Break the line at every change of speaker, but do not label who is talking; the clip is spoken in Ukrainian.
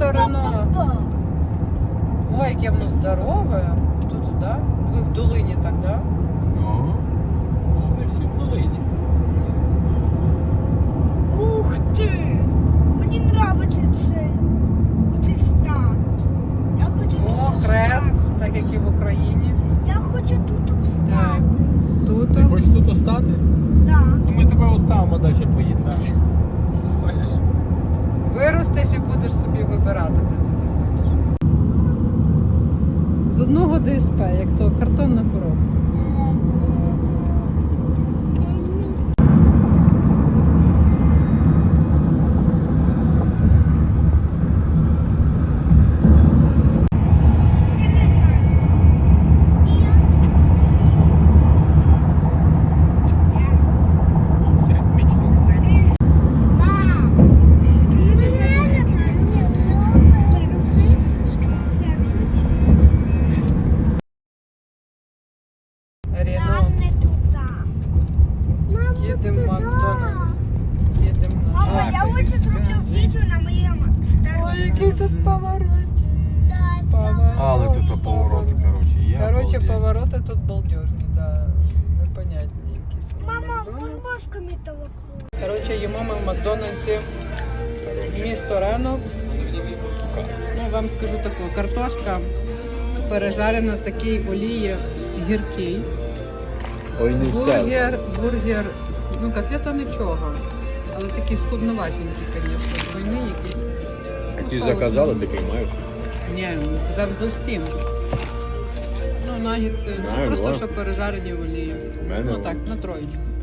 Рено. Ой, яке воно здорове. Тут туди. Ви в долині так, да?
Ну, вони всі в долині.
Ух ти! Мені подобається оцей стат. Я хочу
О,
тут
хрест,
встати.
так як і в Україні.
Я хочу тут встати.
Тут.
Ти хочеш тут остати?
Да.
Ну ми тебе оставимо, далі поїдемо. Хочеш?
Виростеш і будеш собі вибирати, де ти захочеш. З одного ДСП, як то картонна коробка.
Щось ритмічно.
Рено.
Нам не туди.
Їдемо в Макдональдс. Їдемо на...
Мама, я
Так,
лучше зроблю відео на моєму.
Ой, який тут поворот.
Але тут поворот, коротше, є.
Короче,
обалдеть.
повороти тут балдежні, да. Непонятні якісь.
Мама,
Макдональдс.
будь ласка, мій телефон.
Короче, їмо ми в Макдональдсі місто Рено. Ну, вам скажу таку, картошка пережарена в такій олії гіркій.
Ой, не
Бургер, ну котлета нічого, але такі скудноватенькі, звісно, двойні якісь.
Які
соус.
заказали, такий маєш.
Ні, казав зовсім. Ну, нагідці,
Знаю,
просто
да.
що пережарені в олії.
В мене
Ну
о.
так, на троєчку.